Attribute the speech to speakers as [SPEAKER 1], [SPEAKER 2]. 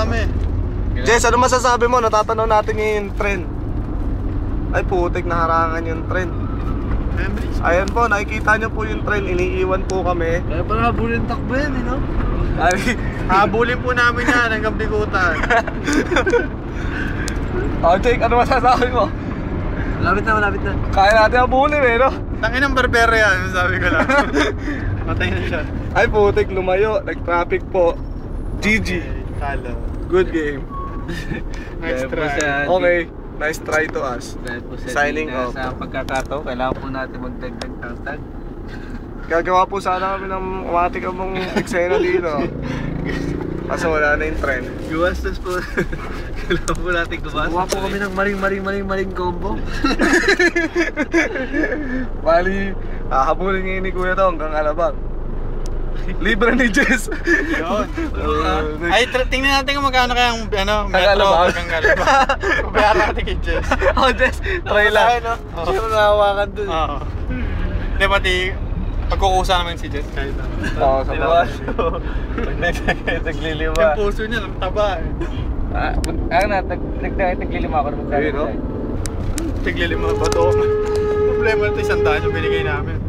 [SPEAKER 1] kami.
[SPEAKER 2] Jess, ano masasabi mo? Natatanaw natin yung trend. Ay putik, naharangan yung trend. Ayan po, nakikita nyo po yung trend. Iniiwan po kami.
[SPEAKER 3] Kaya pala habulin takbo yan, no?
[SPEAKER 2] Ay,
[SPEAKER 1] Habulin po namin yan hanggang bigutan.
[SPEAKER 2] oh Jake, ano masasabi mo?
[SPEAKER 3] Malapit na.
[SPEAKER 2] Kaya natin habulin no?
[SPEAKER 1] Tangin ng berbero yan, sabi ko lang. Matay na siya.
[SPEAKER 2] Ay putik, lumayo. Nag-traffic po. GG.
[SPEAKER 1] Talo.
[SPEAKER 2] Good game.
[SPEAKER 1] Nice
[SPEAKER 3] Kaya po
[SPEAKER 1] try.
[SPEAKER 3] sa-
[SPEAKER 2] Okay, nice try to us.
[SPEAKER 3] Dahil po sa
[SPEAKER 2] Signing
[SPEAKER 3] Signing
[SPEAKER 2] off.
[SPEAKER 3] Sa pagkakataon, kailangan po natin magdagdag ng tag.
[SPEAKER 2] Gagawa po sana kami ng umati ka mong eksena dito. Kaso wala na yung trend.
[SPEAKER 3] Guwastos po. Kailangan po natin gumastos. Kuha po kami ng maring combo.
[SPEAKER 2] Bali, habulin ngayon ni Kuya to hanggang Alabang. Libre ni Jess.
[SPEAKER 1] Yun. Ay, tingnan natin kung magkano kayang metro
[SPEAKER 2] Alabang.
[SPEAKER 1] hanggang Alabang. Bayaran natin kay Jess.
[SPEAKER 2] Oh Jess, try lang.
[SPEAKER 3] Sino nahawakan dun?
[SPEAKER 1] Oo. Hindi, pati pagkukusa naman si Jess kahit ano.
[SPEAKER 2] Oo, sa bawas.
[SPEAKER 3] Naglilima.
[SPEAKER 1] Yung puso niya, ang taba eh.
[SPEAKER 3] Naglilima ako na
[SPEAKER 2] Ayun, no?
[SPEAKER 1] Tiglilima ba ito? Problema ito, 100 yung binigay namin.